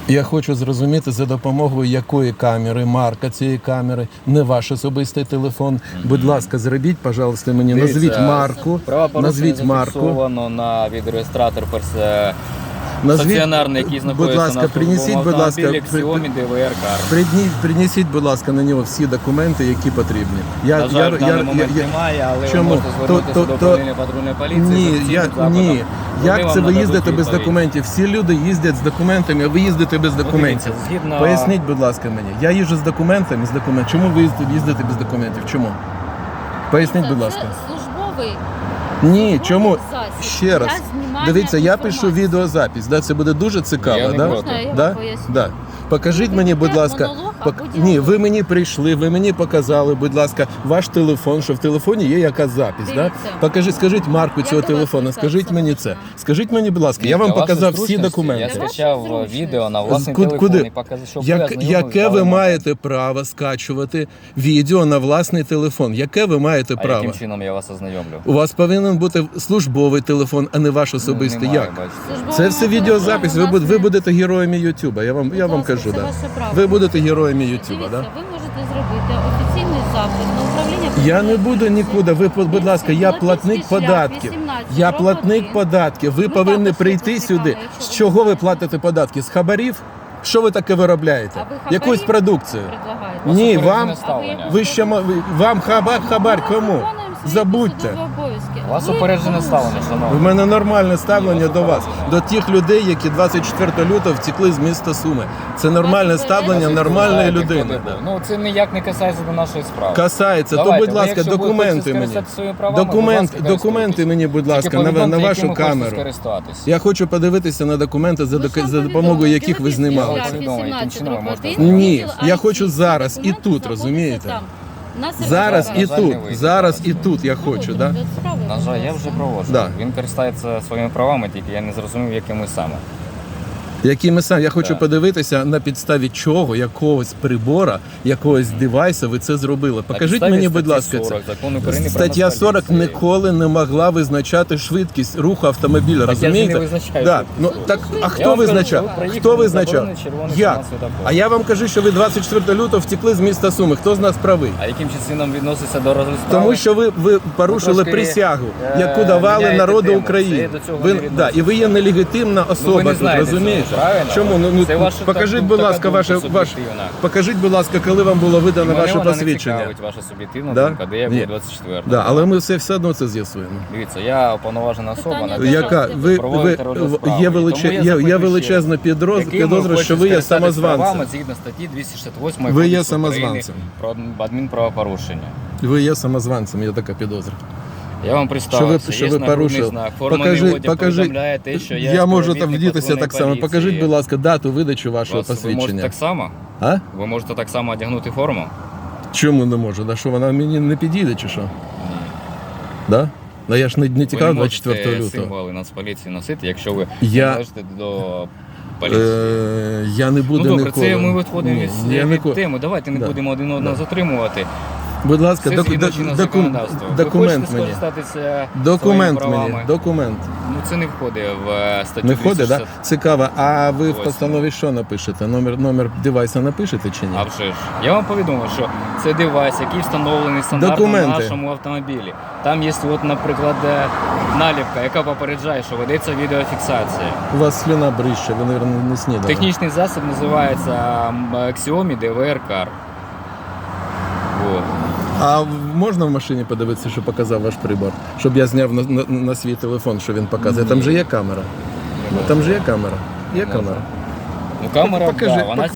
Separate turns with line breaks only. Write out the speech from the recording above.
Я хочу зрозуміти, за допомогою якої камери, марка цієї камери, не ваш особистий телефон. Будь ласка, зробіть, пожалуйста, мені, назвіть марку, назвіть марку.
Зафіксовано на відеореєстратор стаціонарний, який
будь
знаходиться
ласка,
на
принесіть, будь ласка,
Xiaomi DVR Car.
Принесіть, будь ласка, на нього всі документи, які потрібні.
На жаль, в даний момент немає, але ви
чому?
можете звернутися до управління патрульної поліції.
Ні. Як це ви їздите без
відповідь.
документів? Всі люди їздять з документами, а ви їздите без документів.
Згідно...
Поясніть, будь ласка, мені. Я їжджу з документами, Чому ви їздите без документів? Чому? Поясніть, будь ласка.
Це службовий.
Ні, чому?
Засіб.
Ще раз. Дивіться, я пишу відеозапис, да? Це буде дуже цікаво,
Я не
да?
проти.
Можна я
Да?
вам поясню?
Да. Покажіть мені, будь ласка,
монолог або
ні,
діалог?
ви мені прийшли, ви мені показали, будь ласка, ваш телефон, що в телефоні є якась запись, да?
Дивіться.
Скажіть марку цього
до вас
телефону, скажіть мені це.
можна?
Скажіть мені, будь ласка, я
Для
вам
вашої
показав всі
зручності
документи.
Я скачав відео на власний
Куди?
телефон і показав, щоб ви ознайомились
Яке
з
ви
даним
маєте право скачувати відео на власний телефон? Яке ви маєте
А
право?
яким чином я вас ознайомлю?
У вас повинен бути службовий телефон, а не ваш особистий.
Немає,
Як?
бачите.
Це все відеозапис. Ви будете героями Ютуба. Я вам кажу, да. Ви будете героями Ютуба,
Дивіться,
да?
ви можете зробити офіційний запит на управління.
Я не буду нікуди. Ви, будь ласка, я платник
Золотий шлях,
податків.
18,
Я
дроб
платник
1.
податків. Ви
Ми
повинні
також
прийти
це
сюди.
цікаво, якщо
З
ви
чого ви
хочете.
платите податки? З хабарів? Що ви таке виробляєте?
А ви хабарі
Якусь продукцію?
предлагаєте?
Ні,
Упереджене
вам
ставлення.
ви ще вам хабар кому?
Виконуємо свої
Забудьте.
посадові обов'язки.
У вас
Ви
упереджене
порушили.
ставлення,
У
шановні.
мене нормальне ставлення
Ні,
до вас,
упереджене.
до тих людей, які 24 лютого втекли з міста Суми. Це нормальне
Вас
ставлення
упереджене.
нормальної
Знаєте,
людини.
хто де був. Ну, це ніяк не касається до нашої справи.
Касається, то,
Давайте,
будь
ви,
ласка,
якщо ви
документи
хочете
мені.
скористатися своїми правами, будь ласка,
Документи
користуйтесь.
мені, будь
Тільки
ласка,
повідомте,
на вашу
якими хочете
камеру.
скористатись.
Я хочу подивитися на документи, за
Ви ж нам
допомогою
повідомили,
яких ви
Білопільський
знімали
шлях,
це.
Повідомлення, яким
18,
чином ви
дроб
можете
1,
Ні,
відділ
я
IT.
хочу зараз і
Документи
тут,
знаходяться
розумієте?
там. На
Зараз
сервері.
і
На жаль, не
тут,
вийде
зараз
зараз.
і тут я хочу, да?
На жаль, я вже проводжу.
Да.
Він користається своїми правами, тільки я не зрозумів, якими саме.
Якими саме я хочу
Так.
подивитися, на підставі чого, якогось прибора, якогось девайса ви це зробили. Покажіть
підставі
мені, будь
статті
ласка,
40
це.
Закону України про
Стаття
Нацполіцію.
40 ніколи не могла визначати швидкість руху автомобіля,
Так я ж
розумієте?
не визначаю
Да.
швидкість
Ну
руху.
так, а
Я
хто
вам кажу,
визначав?
що ви проїхали
Хто
на
визначав?
заборонений червоний
Як?
сигнал світлофору.
А я вам кажу, що ви 24 лютого втекли з міста Суми. Хто з нас правий?
А яким чином відноситься до розгляду справи?
Тому що ви порушили
трошки,
присягу, яку давали
міняєте
народу
тему.
України.
Це до цього
Ви,
не
да,
відноситься.
і ви є нелегітимна особа
не
тут,
знаєте
розумієте?
цього, правильно?
Чому?
Це ваша
Покажіть, будь
така
ласка,
думка
ваше
суб'єктивна.
покажіть, будь ласка, коли вам було видано
Мене
ваше
вона не
посвідчення.
цікавить, ваша суб'єктивна
Да?
думка, де я
Ні.
був 24.
Да, але ми все одно це з'ясуємо.
Дивіться, я уповноважена особа.
Питання
на
до
Яка ви
проводити розгляд справи.
є
Тому я запитую
величезна
ще раз. Яким ви
підозра, що ви є
хочете скористатись правами
самозванцем.
згідно статті 268
Ви є
Кодексу України
самозванцем.
про адмінправопорушення.
Ви є самозванцем, є така підозра.
Я вам представився,
Що
є
ви
нагрудний
порушили?
знак, форманий одяг повідомляє те, що я
Я можу там
співробітник
вдітися так само.
патрульної
Покажіть,
поліції.
будь ласка, дату видачі вашого
Ви можете
посвідчення.
так само?
А?
Ви можете так само одягнути форму?
Чому не можу? Да що вона мені не підійде чи що? Да? Да я ж не тікав
Ви
24
можете
лютого.
символи Нацполіції носити, якщо ви
Я-
належите до поліції.
Я не буду
Ну добре,
ніколи.
це ми відходимо
Ні, я
від
ніколи.
теми. Давайте не
Да.
будемо один одного затримувати.
Будь ласка,
Все згідно чинного законодавства. Ви
документ
хочете
мені.
скористатися
Документ
своїми
мені.
правами?
Документ.
Ну це не входить в статтю
Не входить,
260.
так? Да? Цікаво. А ви в
Ось.
постанові що напишете? Номер девайса напишете чи ні?
А вже ж. Я вам повідомив, що це девайс, який встановлений стандартно
Документи.
на нашому автомобілі. Там є, от, наприклад, наліпка, яка попереджає, що ведеться відеофіксація.
У вас слюна брище, ви, мабуть, не снідали.
Технічний засіб називається Xiaomi DVR Car. Вот.
А можна в машині подивитися, що показав ваш прибор? Щоб я зняв на свій телефон, що він показує. Там же є камера. Ну, там же є камера. Є камера.
Ну, камера,
Покажи,
да, вона